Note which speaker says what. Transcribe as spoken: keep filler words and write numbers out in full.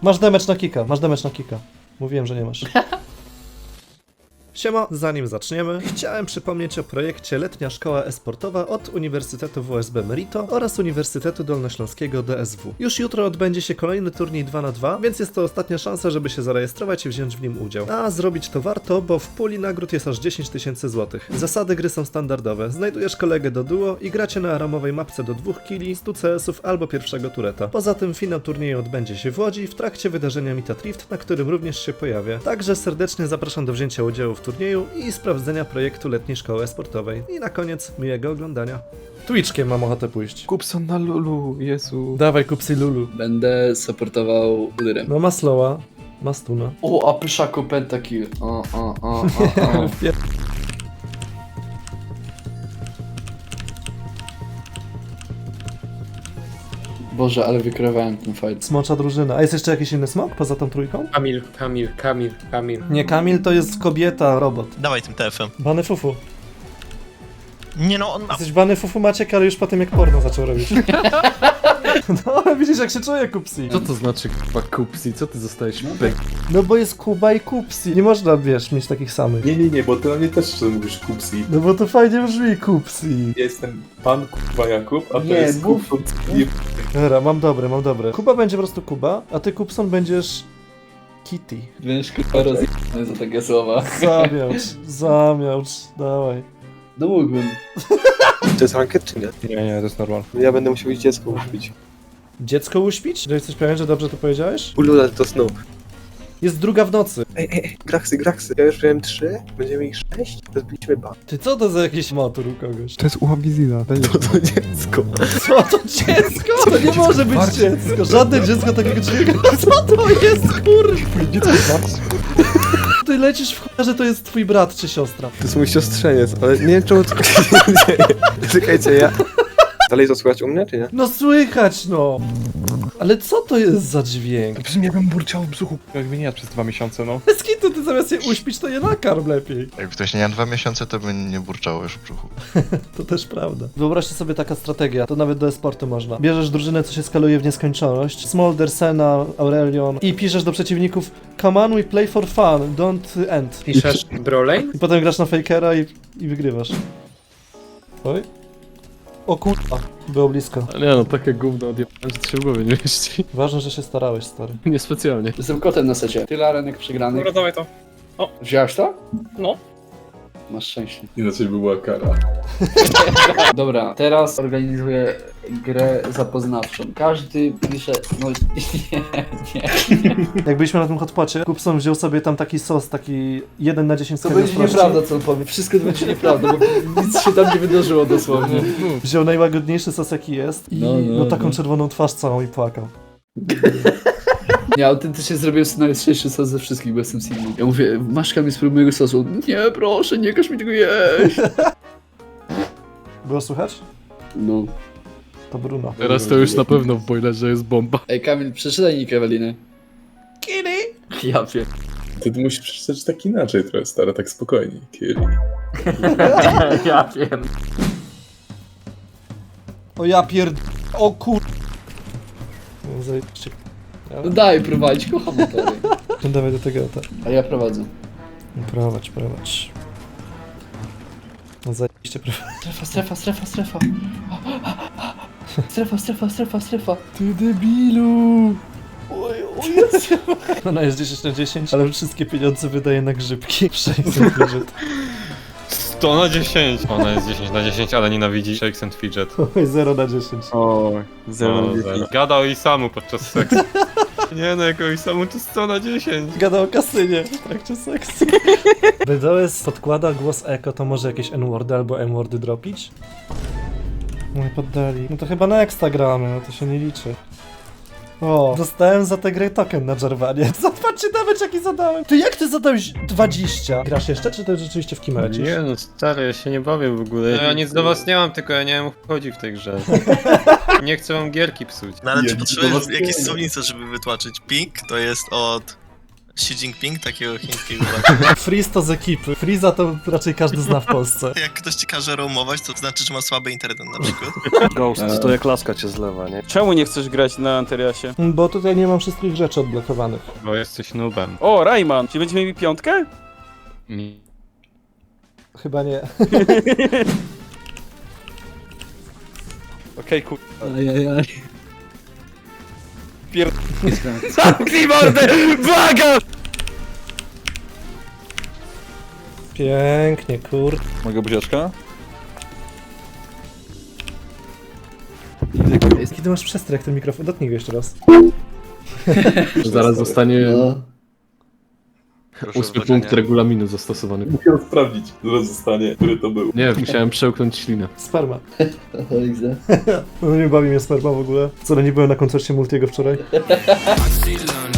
Speaker 1: Masz damage na kika, masz damage na kika. Mówiłem, że nie masz. Siema, zanim zaczniemy, chciałem przypomnieć o projekcie Letnia Szkoła E-Sportowa od Uniwersytetu W S B Merito oraz Uniwersytetu Dolnośląskiego D S W. Już jutro odbędzie się kolejny turniej dwa na dwa, więc jest to ostatnia szansa, żeby się zarejestrować i wziąć w nim udział. A zrobić to warto, bo w puli nagród jest aż dziesięć tysięcy złotych. Zasady gry są standardowe. Znajdujesz kolegę do duo i gracie na ramowej mapce do dwóch killi, stu C S ów albo pierwszego tureta. Poza tym finał turnieju odbędzie się w Łodzi w trakcie wydarzenia Meet Rift, na którym również się pojawię. Także serdecznie zapraszam do wzięcia udziału w turnieju i sprawdzenia projektu Letniej Szkoły E-Sportowej. I na koniec miłego oglądania. Twitchkiem mam ochotę pójść.
Speaker 2: Kupson na Lulu, Jezu.
Speaker 1: Dawaj, kupcy Lulu.
Speaker 3: Będę supportował Lyrem.
Speaker 1: No ma slowa, ma stuna.
Speaker 3: O, a pyszaku pentakill. O, o, o, o, o. Boże, ale wykrywałem ten fight.
Speaker 1: Smocza drużyna. A jest jeszcze jakiś inny smok poza tą trójką?
Speaker 2: Kamil, Kamil, Kamil, Kamil.
Speaker 1: Nie, Kamil to jest kobieta, robot.
Speaker 4: Dawaj tym T F-em.
Speaker 1: Bany fufu.
Speaker 4: Nie no, on ma...
Speaker 1: Jesteś bany fufu Maciek, ale już po tym jak porno zaczął robić. No, ale widzisz jak się czuje Kupsi.
Speaker 2: Co to znaczy k***a Kupsi? Co ty zostajesz pek?
Speaker 1: No bo jest Kuba i Kupsi. Nie można, wiesz, mieć takich samych.
Speaker 5: Nie, nie, nie, bo ty na mnie też czasem mówisz Kupsi.
Speaker 1: No bo to fajnie brzmi Kupsi.
Speaker 5: Ja jestem pan Kuba Jakub, a to
Speaker 3: Nie,
Speaker 5: jest
Speaker 3: mów-
Speaker 5: Kupson.
Speaker 1: Dobra, mam dobre, mam dobre. Kuba będzie po prostu Kuba, a ty Kupson będziesz... Kitty.
Speaker 3: Będziesz kurwa rozjebany za takie słowa.
Speaker 1: Zamiałcz, zamiałcz, dawaj.
Speaker 3: No mógłbym.
Speaker 6: To jest ranket czy nie?
Speaker 2: Nie, nie, to jest normal.
Speaker 6: Ja będę musiał iść dziecko uśpić.
Speaker 1: Dziecko uśpić? Że jesteś pewien, że dobrze to powiedziałeś?
Speaker 6: Ulula to snu.
Speaker 1: Jest druga w nocy.
Speaker 6: Ej, ej, ej, graksy, graksy. Ja już miałem trzy, będziemy ich sześć, to zbiliśmy ba.
Speaker 1: Ty co to za jakiś motor u kogoś?
Speaker 2: To jest ułabizina.
Speaker 6: To to dziecko.
Speaker 1: Co to dziecko? To nie może być dziecko. Żadne dziecko takiego człowieka. Co to jest, kurwa? Ty lecisz w chuj, że to jest twój brat czy siostra.
Speaker 6: To jest mój siostrzeniec, ale nie wiem czemu to się dzieje. Czekajcie, ja... Dalej to słychać u mnie, czy nie?
Speaker 1: No słychać, no. Ale co to jest za dźwięk?
Speaker 2: Brzmi jakbym burczał w brzuchu, jak mnie nie jadł przez dwa miesiące, no.
Speaker 1: Bez kitu, ty zamiast je uśpić, to je nakarm lepiej.
Speaker 4: Jak ktoś nie miał dwa miesiące, to by nie burczało już w brzuchu.
Speaker 1: To też prawda. Wyobraźcie sobie taka strategia, to nawet do e-sportu można. Bierzesz drużynę, co się skaluje w nieskończoność, Smolder, Senna, Aurelion i piszesz do przeciwników come on, we play for fun, don't end.
Speaker 2: Piszesz Brolane?
Speaker 1: I potem grasz na Fakera i, i wygrywasz. Oj. O kurwa, było blisko.
Speaker 2: Nie no, takie gówno odjebałem, że to się w głowie nie mieści.
Speaker 1: Ważne, że się starałeś, stary.
Speaker 2: Niespecjalnie.
Speaker 3: Jestem kotem na secie. Tyle arenek przegranych.
Speaker 7: Dobra, dawaj to.
Speaker 3: Wziąłeś to?
Speaker 7: No.
Speaker 3: Masz szczęście.
Speaker 5: Inaczej by była kara.
Speaker 3: Dobra, teraz organizuję grę zapoznawczą. Każdy pisze... No nie, nie.
Speaker 1: Jak byliśmy na tym hotpocie, Kupson wziął sobie tam taki sos, taki jeden na dziesięć
Speaker 3: To
Speaker 1: stopni
Speaker 3: będzie
Speaker 1: ostrości.
Speaker 3: nieprawda, co on powie. Wszystko to będzie nieprawda, bo nic się tam nie wydarzyło dosłownie.
Speaker 1: Wziął najłagodniejszy sos jaki jest i no,
Speaker 3: No, no,
Speaker 1: taką
Speaker 3: no.
Speaker 1: czerwoną twarz całą i płakał.
Speaker 3: Ja autentycznie zrobiłem sobie najlepszy sos ze wszystkich, bo jestem Sigmą. Ja mówię, masz Kamil, spróbuj mojego sosu. Nie, proszę, nie każ mi tego jeść.
Speaker 1: Było słychać?
Speaker 3: No.
Speaker 1: To Bruno.
Speaker 2: Teraz to już na pewno w boilerze jest bomba.
Speaker 3: Ej, Kamil, przeczytaj nick Eweliny.
Speaker 1: Kitty!
Speaker 3: Ja wiem.
Speaker 5: Ty to musisz przeczytać tak inaczej trochę, stara, tak spokojnie. Kiri.
Speaker 2: Ja wiem.
Speaker 1: O ja pierd... O kur... No, zajebiście.
Speaker 3: No daj prowadzić, kocham motory.
Speaker 1: Dawaj do tego, tak.
Speaker 3: A ja prowadzę.
Speaker 1: Prowadź, prowadź. No zajebiście prowadź.
Speaker 3: Strefa, strefa, strefa, strefa. Strefa, strefa, strefa, strefa.
Speaker 1: Ty debilu! Oj, o Jezu. Ona jest dziesięć na dziesięć, ale wszystkie pieniądze wydaje na grzybki. sześćset budżet.
Speaker 8: sto na dziesięć! Ona jest dziesięć na dziesięć, ale nienawidzi Shakes and Fidget.
Speaker 1: Oj, zero na dziesięć.
Speaker 2: O,
Speaker 8: O, zero. Gada o Isamu podczas seksu. Nie no, jako Isamu to sto na dziesięć.
Speaker 1: Gada o kasynie w trakcie seksu. B D O S podkłada głos Eko, to może jakieś N-wordy albo M-wordy dropić? No i poddali. No to chyba na Exta gramy, no to się nie liczy. O, dostałem za tę grę token na Jarvanie. Zobaczcie nawet jaki zadałem. Ty jak ty zadałeś dwadzieścia? Grasz jeszcze, czy to rzeczywiście w kim lecisz?
Speaker 8: Nie no, stary, ja się nie bawię w ogóle. No, ja nic do was nie mam, tylko ja nie wiem o co chodzi w tej grze. Nie chcę wam gierki psuć.
Speaker 4: No ale
Speaker 5: Ja
Speaker 4: czy
Speaker 5: nic do
Speaker 4: potrzebujesz
Speaker 5: was
Speaker 4: jakieś
Speaker 5: nie wiem.
Speaker 4: słownice, żeby wytłumaczyć? Ping to jest od Xi Jinping, takiego chińskiego.
Speaker 1: Freeze to z ekipy. Freeza to raczej każdy zna w Polsce.
Speaker 4: Jak ktoś ci każe roamować, to znaczy, że ma słaby internet na przykład.
Speaker 7: Ghost, to jak laska cię zlewa, nie? Czemu nie chcesz grać na Anteriasie?
Speaker 1: Bo tutaj nie mam wszystkich rzeczy odblokowanych.
Speaker 8: Bo jesteś noobem.
Speaker 7: O, Rayman, czy będziemy mieli piątkę?
Speaker 8: Nie.
Speaker 1: Chyba nie.
Speaker 7: Okej, kur...
Speaker 3: Ajajaj.
Speaker 7: Pier... Zamknij mordę! Błagam!
Speaker 1: Pięknie, kur...
Speaker 7: Mogę buziaczka?
Speaker 1: Kiedy masz przestrach ten mikrofon? Dotknij go jeszcze raz.
Speaker 2: Zaraz zostanie
Speaker 3: No.
Speaker 2: ósmy punkt regulaminu zastosowany.
Speaker 5: Musiałem sprawdzić, zaraz zostanie, który to był.
Speaker 2: Nie, musiałem przełknąć ślinę.
Speaker 1: Sperma.
Speaker 3: O, Iza.
Speaker 1: No nie bawi mnie sperma w ogóle. Co, nie byłem na koncercie Multiego wczoraj?